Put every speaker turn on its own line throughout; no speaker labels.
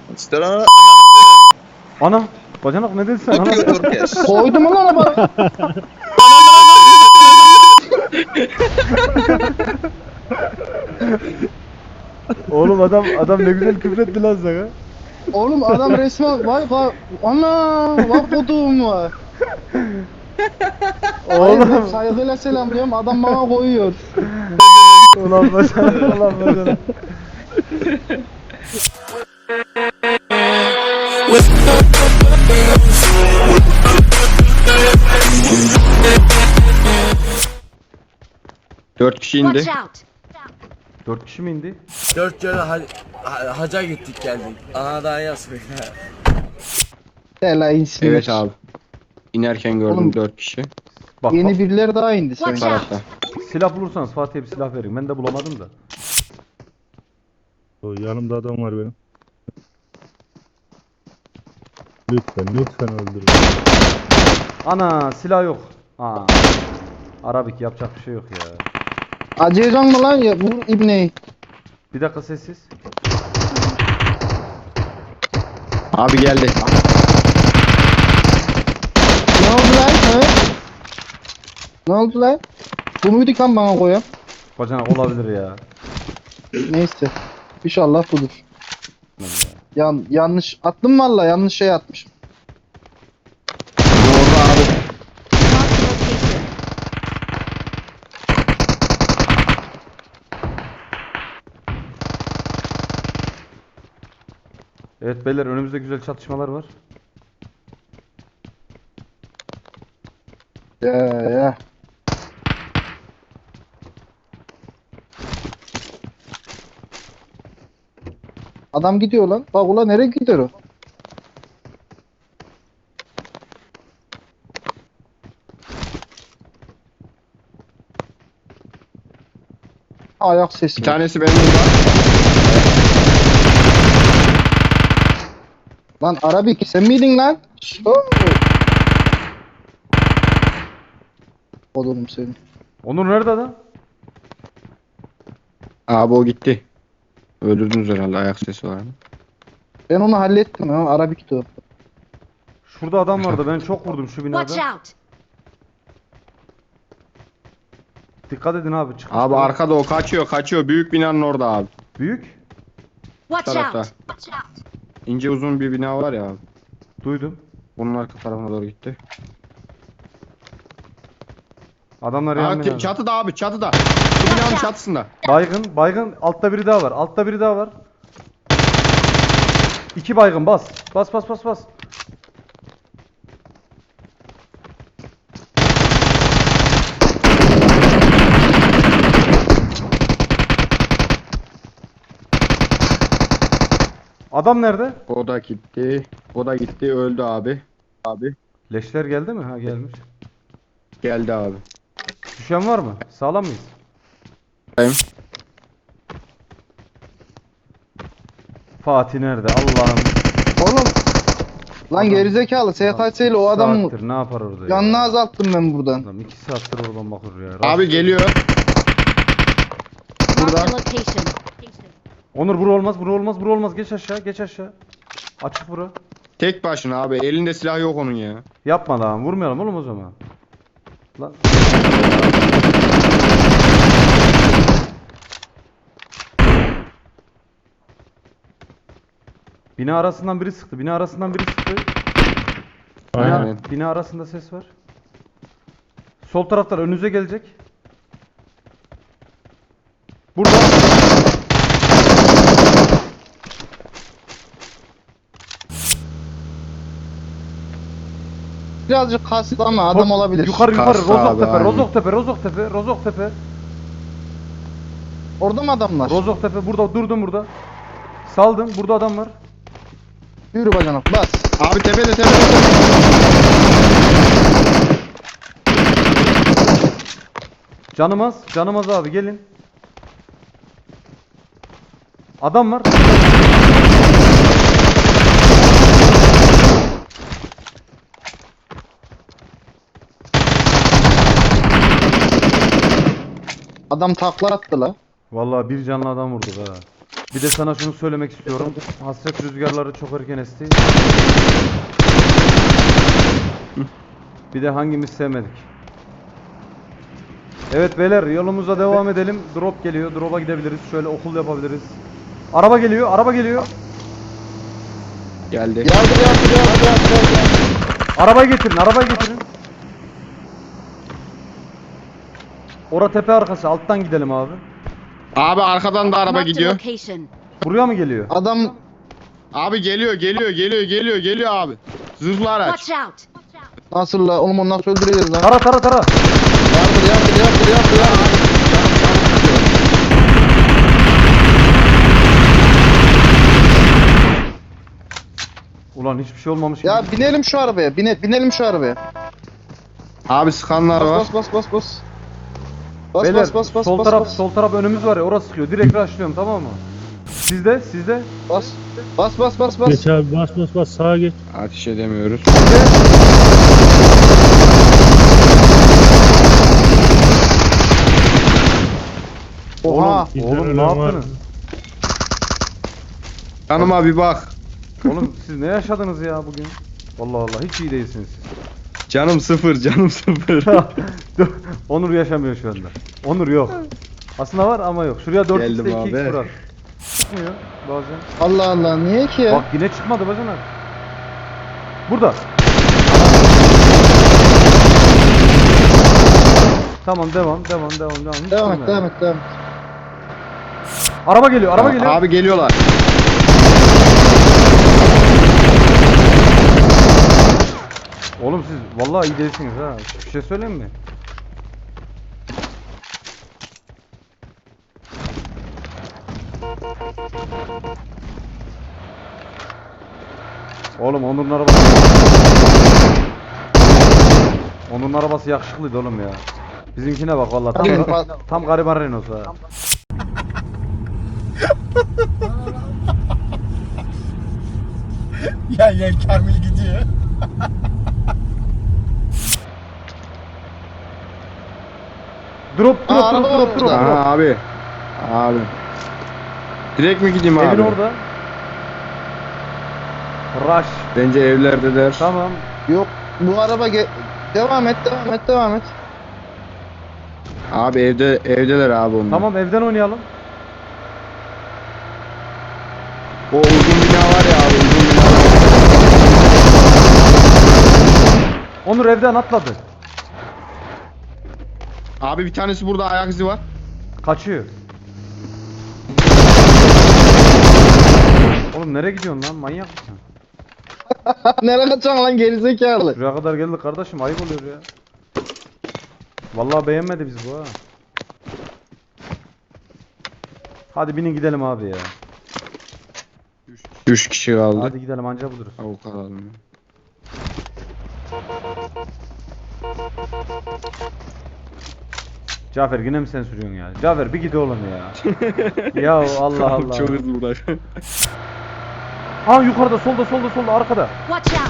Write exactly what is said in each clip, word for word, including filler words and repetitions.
İstera
Ana bacanak ne dedin sen? Ana.
Tokyo Turkeş.
Koydum lan araba.
Oğlum adam adam ne güzel küfretti lan sana.
Oğlum adam resmen vay vay ana vay kodum var. Oğlum
Oğlum.
saygıyla selam diyorum adam bana koyuyor.
Ulan bacanak ulan bacanak.
Dört kişi indi.
Watch out!
Dört kişi mi indi?
Dört kere ha ha- haca gittik geldik. Ana daha yazmıyor.
Hele insin.
Evet abi. İnerken gördüm
Oğlum.
dört kişi.
Bak,
Yeni
bak
birileri daha indi
Watch
sanki.
out!
Tarafta.
silah bulursanız Fatih'e bir silah verin. Ben de bulamadım da.
O yanımda adam var benim. Lütfen lütfen öldürün.
Ana silah yok. Aa. Arabik yapacak bir şey yok ya.
Acıyacaksın mı lan ya bu ibneyi?
Bir dakika sessiz.
Abi geldi.
Ne oldu lan? He? Ne oldu lan? Bu muydu kan bana koyan?
Bacanak olabilir ya.
Neyse. İnşallah budur. Yan, yanlış attım valla yanlış şey atmışım.
Orada abi.
Mark the location.
Evet beyler önümüzde güzel çatışmalar var.
Ya ya. Adam gidiyor lan. Bak ulan nereye gidiyor o? Ayak sesi.
Bir tanesi benim burada.
Lan Arabik sen miydin lan? Oo. Oğlum seni.
Onur nerede adam?
Abi o gitti. Öldürdünüz herhalde, ayak sesi var.
Ben onu hallettim ha Arabik'ti o.
Şurada adam vardı. Ben çok vurdum şu
Watch
binada.
out!
Dikkat edin abi. Çıkış
Abi
var.
arkada o kaçıyor kaçıyor. Büyük binanın orada abi.
Büyük.
Watch
Tarafta.
out! Watch out!
İnce uzun bir bina var ya abi.
Duydum.
Bunun arka tarafına doğru gitti.
Adamlar
Aa,
yan
te-
binada.
çatıda abi çatıda. Şu binanın çatısında.
Baygın. Baygın. Altta biri daha var. Altta biri daha var. İki baygın bas. Bas bas bas bas. Adam nerede?
O da gitti. O da gitti öldü abi. Abi.
Leşler geldi mi? Ha gelmiş.
Geldi abi.
Düşen var mı? Sağlam mıyız?
Benim.
Fatih nerede? Allah'ım.
Oğlum. Lan
Adam-
gerizekalı S K S ile o adam mı?
Saattir ne yapar orada
Canını
ya?
azalttım ben buradan.
Adam iki saattir oradan bakıyor ya.
Abi
Rast-
geliyor.
Mark
Burada.
the location.
Onur bura olmaz, bura olmaz, bura olmaz. Geç aşağı, geç aşağı. Açık bura.
Tek başına abi. Elinde silah yok onun ya.
Yapma lan, vurmayalım oğlum o zaman. Lan. Bina arasından biri sıktı, bina arasından biri sıktı. Bina,
Aynen.
bina arasında ses var. Sol taraftan önünüze gelecek. Burada.
Birazcık kaslı ama adam olabilir.
Yukarı yukarı,
Kastı abi,
Rozoktepe,
aynen.
Rozoktepe, Rozoktepe, Rozoktepe.
Orada mı adamlar?
Rozoktepe burada, durdum burada. Saldım, burada adam var.
Yürü bacanak bas.
Abi tepede tepede. tepede.
Canımaz, canımaz abi gelin. Adam var.
Adam takla attı la.
Vallahi bir canlı adam vurduk ha. Bir de sana şunu söylemek istiyorum. Hasret rüzgarları çok erken esti. Bir de hangimiz sevmedik. Evet beyler yolumuza devam edelim. Drop geliyor. Drop'a gidebiliriz. Şöyle okul yapabiliriz. Araba geliyor. Araba geliyor.
Geldi.
Yardır yardır yardır yardır yardır.
Arabayı getirin. Arabayı getirin. Ora tepe arkası. Alttan gidelim abi.
Abi arkadan da araba
Marked a
gidiyor.
location.
Buraya mı geliyor?
Adam
Abi geliyor geliyor geliyor geliyor geliyor abi. Zırhlı araç.
Watch out.
nasıl la? Oğlum onu nasıl öldüreceğiz lan?
Tara tara tara.
Yardır yardır yardır yardır yardır.
Ulan hiçbir şey olmamış gibi.
Ya binelim şu arabaya. Bine, binelim şu arabaya.
Abi sıkanlar var.
Bas bas bas bas. Bas
Beyler
bas bas bas
sol
bas
taraf
bas.
sol taraf önümüz var ya orası sıkıyor. Direkt rushlıyorum tamam mı? Sizde sizde.
Bas. Bas bas bas bas.
Geç abi bas bas bas sağa geç.
Ateş edemiyoruz.
Oha.
Oğlum, oğlum ne
ölen var.
yaptınız?
Canıma bir bak.
Oğlum siz ne yaşadınız ya bugün? Allah Allah hiç iyi değilsiniz siz.
Canım sıfır canım sıfır.
Dur, Onur yaşamıyor şu anda. Onur yok. Aslında var ama yok. Şuraya dört
Geldim
x'te iki x
abi.
bırak. Çıkmıyor bazen.
Allah Allah niye ki ya?
Bak yine çıkmadı bacanak. Burada. Tamam devam devam devam devam. Hiç
Devam
durma
et
ya.
devam et devam et.
Araba geliyor araba geliyor.
Abi geliyorlar.
Oğlum siz vallahi iyi değilsiniz ha. Bir şey söyleyeyim mi? Oğlum Onur'un arabası. Onur'un arabası yakışıklıydı oğlum ya. Bizimkine bak vallahi tam,
Hadi.
tam gariban Renault'su ha.
Ya ya Kamil gidiyor.
Drop drop
Aa,
drop
araba
drop
var
drop.
orada.
drop.
Aha abi. Abi. Direkt mi gideyim abi?
Evin orada. Rush.
Bence evlerdeler.
Tamam.
Yok bu araba ge- devam et devam et devam et.
Abi evde evdeler abi onlar.
Tamam evden oynayalım.
O uzun bina var ya abi uzun bina.
Onur evden atladı.
Abi bir tanesi burada ayak izi var.
Kaçıyor. Oğlum nereye gidiyorsun lan? Manyak mısın?
Nereye kaçacaksın lan gerizekalı?
Buraya kadar geldik kardeşim. Ayıp oluyor ya. Vallahi beğenmedi biz bu ha. Hadi binin gidelim abi ya.
Üç kişi kaldı.
Hadi gidelim anca buluruz.
Avuk alalım.
Cafer yine mi sen sürüyorsun ya? Cafer bir git oğlum ya. Ya Allah Allah.
Çok hızlı bırak.
Ha yukarıda solda solda solda arkada.
Watch out.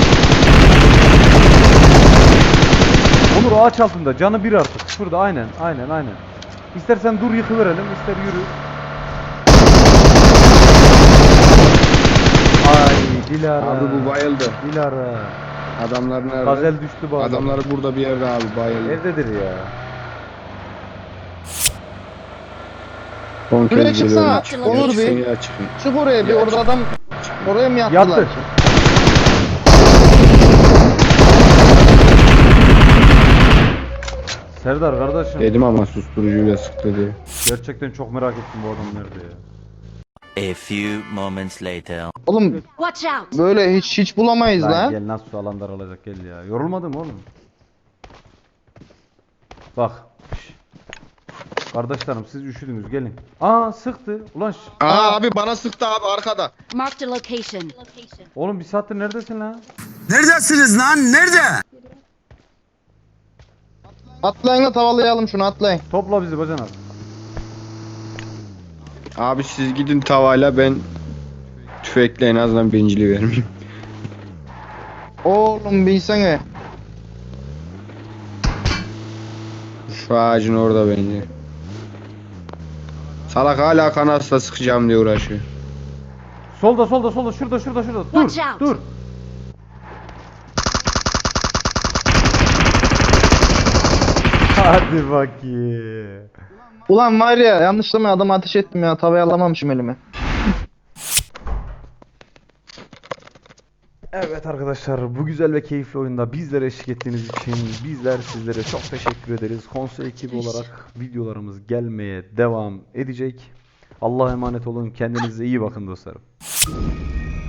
Onur ağaç altında canı bir artık. Şurada aynen aynen aynen. İstersen dur yıkıverelim ister yürü. Ay Dilara.
Abi bu bayıldı.
Dilara.
Adamlar nerede?
Gazel düştü bu adam.
Adamları burada bir yerde abi bayıldı.
Evdedir ya.
Son
Şuraya
kez
çıksana,
geliyorum.
Onur
Çıksın
Bey.
ya çıkın.
Çık oraya bir orada adam oraya mı yattılar?
Yattı. Serdar kardeşim.
Dedim ama susturucuyla sıktı diye.
Gerçekten çok merak ettim bu adam nerede ya.
A few moments later.
Oğlum
Watch out.
böyle hiç hiç bulamayız
Lan
lan.
gel nasıl su alan daralacak gel ya. Yorulmadın mı oğlum? Bak. Şş. Kardeşlerim siz üşüdünüz gelin. Aa sıktı. Ulan şş.
Aa abi bana sıktı abi arkada.
Marked a location.
Oğlum bir saattir neredesin lan?
Neredesiniz lan? Nerede?
Atlayın da tavalayalım şunu atlayın.
Topla bizi bacanak.
Abi siz gidin tavayla ben tüfekle en azından birinciliği vermeyeyim.
Oğlum bilsene.
Şu ağacın orada bence. Salak hala kanasla sıkacağım diye uğraşıyor.
Solda solda solda şurada şurada şurada. Dur
Watch out.
dur. Hadi bakayım.
Ulan var ya yanlışlıkla adamı ateş ettim ya. Tavayı alamamışım elime.
Evet arkadaşlar, bu güzel ve keyifli oyunda bizlere eşlik ettiğiniz için bizler sizlere çok teşekkür ederiz. Konsol ekibi olarak videolarımız gelmeye devam edecek. Allah'a emanet olun. Kendinize iyi bakın dostlarım.